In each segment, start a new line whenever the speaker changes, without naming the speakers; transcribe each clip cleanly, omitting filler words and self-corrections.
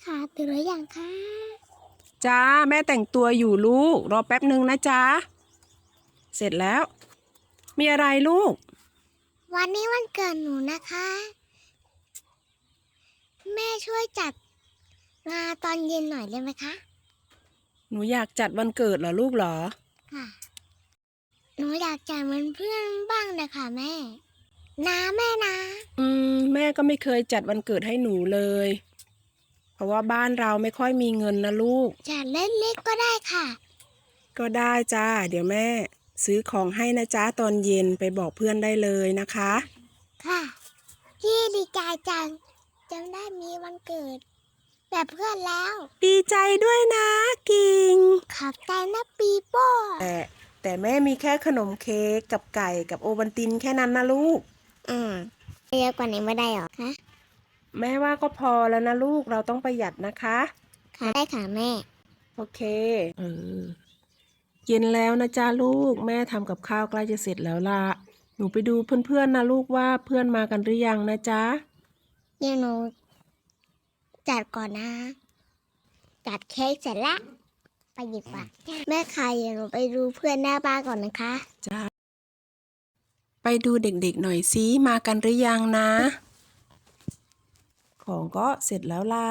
ค่ะตื่นหรือยังคะ
จ้าแม่แต่งตัวอยู่ลูกรอแป๊บหนึ่งนะจ้าเสร็จแล้วมีอะไรลูก
วันนี้วันเกิดหนูนะคะ แม่ช่วยจัดงานตอนเย็นหน่อยได้ไหมคะ
หนูอยากจัดวันเกิดเหรอลูกเหรอ
ค่ะหนูอยากจัดเหมือนเพื่อนบ้างเลยค่ะแม่แม่นะ
แม่ก็ไม่เคยจัดวันเกิดให้หนูเลยเพราะว่าบ้านเราไม่ค่อยมีเงินนะลูก
จัดเล็กๆก็ได้ค่ะ
ก็ได้จ้าเดี๋ยวแม่ซื้อของให้นะจ้าตอนเย็นไปบอกเพื่อนได้เลยนะคะ
ค่ะพี่ดีใจจังจำได้มีวันเกิดแบบเพื่อนแล้ว
ดีใจด้วยนะกิ่ง
ขอบใจนะปีโป้
แต่แม่มีแค่ขนมเค้กกับไก่กับโอวัลตินแค่นั้นนะลูก
เยอะกว่านี้ไม่ได้หรอคะ
แม่ว่าก็พอแล้วนะลูกเราต้องประหยัดนะคะ
ค่ะได้ค่ะแม่
โอเคเย็นแล้วนะจ้าลูกแม่ทำกับข้าวใกล้จะเสร็จแล้วล่ะหนูไปดูเพื่อนๆนะลูกว่าเพื่อนมากันหรือยังนะจ๊ะ
เดี๋ยวหนูจัดก่อนนะจัดเค้กเสร็จแล้วไปหยิบก่อนแม่ค่ะเดี๋ยวหนูไปดูเพื่อนหน้าบ้านก่อนนะคะ
จ้าไปดูเด็กๆหน่อยซิมากันหรือยังนะของก็เสร็จแล้วล่ะ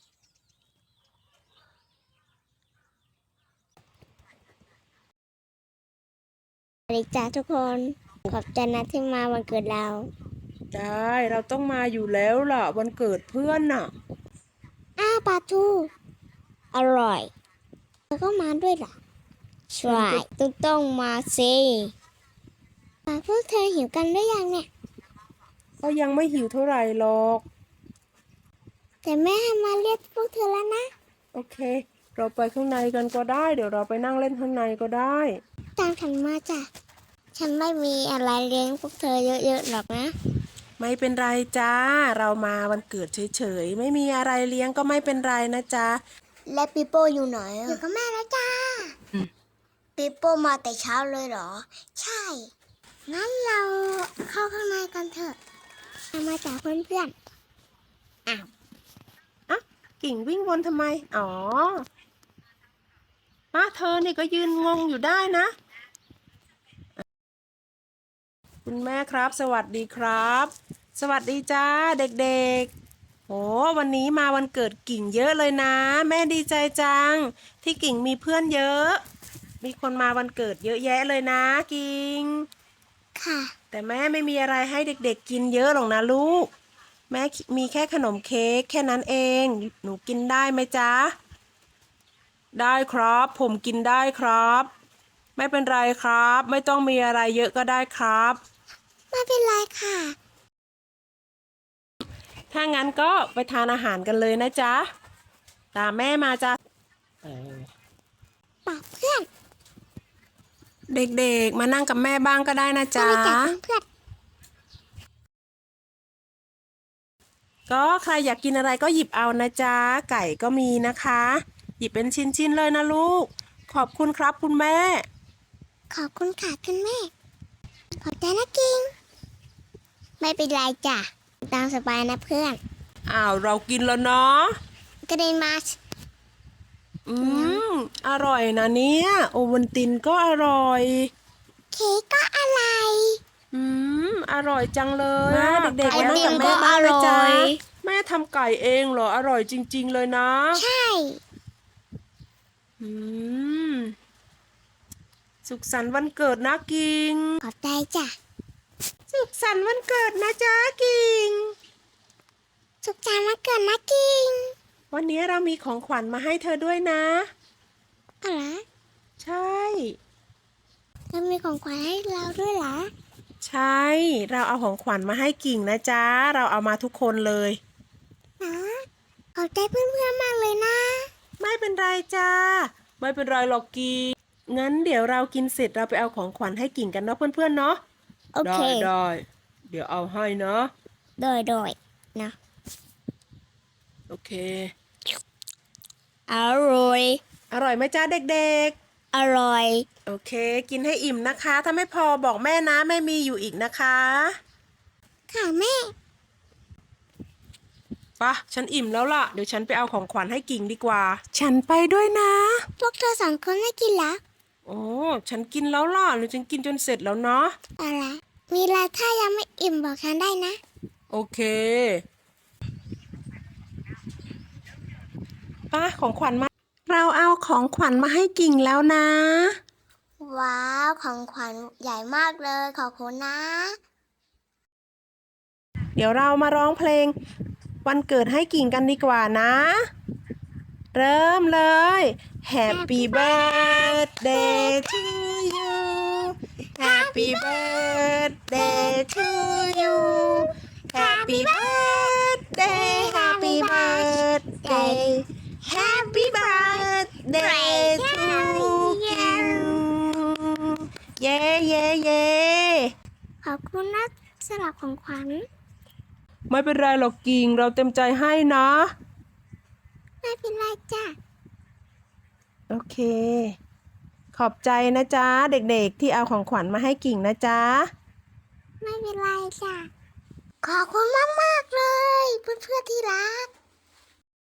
สวัสดีจ้าทุกคนขอบใจนะที่มาวันเกิดเรา
ได้เราต้องมาอยู่แล้วล่ะวันเกิดเพื่อนน่ะ
ปลาทูอร่อยแล้วก็มาด้วยล่ะใช่ต้องมาสิพวกเธอหิวกันหรือยังเนี่ย
ก็ยังไม่หิวเท่าไหร่หรอก
แต่แม่มาเรียกพวกเธอแล้วนะ
โอเคเราไปข้างในกันก็ได้เดี๋ยวเราไปนั่งเล่นข้างในก็ได้
ตามฉันมาจ้ะฉันไม่มีอะไรเลี้ยงพวกเธอเยอะๆหรอกนะ
ไม่เป็นไรจ้าเรามาวันเกิดเฉยๆไม่มีอะไรเลี้ยงก็ไม่เป็นไรนะจ๊ะ
และปีโป้อยู่ไหนอยู่กับแม่แล้วจ้าปีโป้มาแต่เช้าเลยเหรอใช่งั้นเราเข้าข้างในกันเถอะมาจากเพื่อนๆ
กิ่งวิ่งวนทำไมอ๋อเธอนี่ก็ยืนงงอยู่ได้นะคุณแม่ครับสวัสดีครับสวัสดีจ้าเด็กๆโอ้วันนี้มาวันเกิดกิ่งเยอะเลยนะแม่ดีใจจังที่กิ่งมีเพื่อนเยอะมีคนมาวันเกิดเยอะแยะเลยนะกิ่ง
ค่ะ
แต่แม่ไม่มีอะไรให้เด็กๆกินเยอะหรอกนะลูกแม่มีแค่ขนมเค้กแค่นั้นเองหนูกินได้ไหมจ๊ะได้ครับผมกินได้ครับไม่เป็นไรครับไม่ต้องมีอะไรเยอะก็ได้ครับ
ไม่เป็นไรค่ะ
ถ้างั้นก็ไปทานอาหารกันเลยนะจ๊ะตามแม่มาจ้ะ
ปากเพื่อน
เด็กๆมานั่งกับแม่บ้างก็ได้นะจ๊ะ
เพื่อน
ก็ใครอยากกินอะไรก็หยิบเอานะจ๊ะไก่ก็มีนะคะหยิบเป็นชิ้นๆเลยนะลูกขอบคุณครับคุณแม่
ขอบคุณค่ะคุณแม่ขอบใจนะกิงไม่เป็นไรจ้ะตามสบายนะเพื่อน
เรากินแล้วเนาะ
กระเด็นมา
อร่อยนะเนี่ยโอวัลตินก็อร่อย
เค้กก็อร่อย
อร่อยจังเลยเด็กๆมานั่งกับแม่บ้างนะจ๊ะแม่ทำไก่เองเหรออร่อยจริงๆเลยนะ
ใช่
สุขสันต์วันเกิดนะกิง
ขอบใจจ้ะ
สุขสันต์วันเกิดนะจ๊ะกิง
สุขสันต์วันเกิดนะกิง
วันนี้เรามีของขวัญมาให้เธอด้วยนะ
อะไร
ใช่
แล้วมีของขวัญให้เราด้วยเหรอ
ใช่เราเอาของขวัญมาให้กิ่งนะจ๊ะเราเอามาทุกคนเลย
ขอบใจเพื่อนๆมากเลยนะ
ไม่เป็นไรจ้าไม่เป็นไรหรอกกิ่งงั้นเดี๋ยวเรากินเสร็จเราไปเอาของขวัญให้กิ่งกันเนาะเพื่อนๆเนาะ
โอเค
ได้เดี๋ยวเอาให้เนาะ
โดยนะ
โอเค
อร่อย
อร่อยไหมจ้าเด็ก
ๆอร่อย
โอเคกินให้อิ่มนะคะถ้าไม่พอบอกแม่นะแม่มีอยู่อีกนะคะ
ค่ะแม่
ปะฉันอิ่มแล้วล่ะ เดี๋ยวฉันไปเอาของขวัญให้กิ่งดีกว่า ฉันไปด้วยนะ
พวกเธอสองคนไม่กินแล้ว
โอ้ ฉันกินแล้วล่ะหรือฉันกินจนเสร็จแล้วเนาะ
อะไรมีอะไรถ้ายังไม่อิ่มบอกฉันได้นะ
โอเคป้าของขวัญมา เราเอาของขวัญมาให้กิ่งแล้วนะ
ว้าวของขวัญใหญ่มากเลยขอบคุณนะ
เดี๋ยวเรามาร้องเพลงวันเกิดให้กิ่งกันดีกว่านะ เริ่มเลย Happy birthday to you Happy birthday to you Happy birthday Happy birthday Happy birthday to you เย้เย้เย้
ขอบคุณนะสำหรับของขวัญ
ไม่เป็นไรหรอกกิ่งเราเต็มใจให้นะ
ไม่เป็นไรจ้ะ
โอเค ขอบใจนะจ๊ะ เด็กๆที่เอาของขวัญมาให้กิ่งนะจ๊ะ
ไม่เป็นไรจ้ะ ขอบคุณมากๆเลย เพื่อนๆที่รัก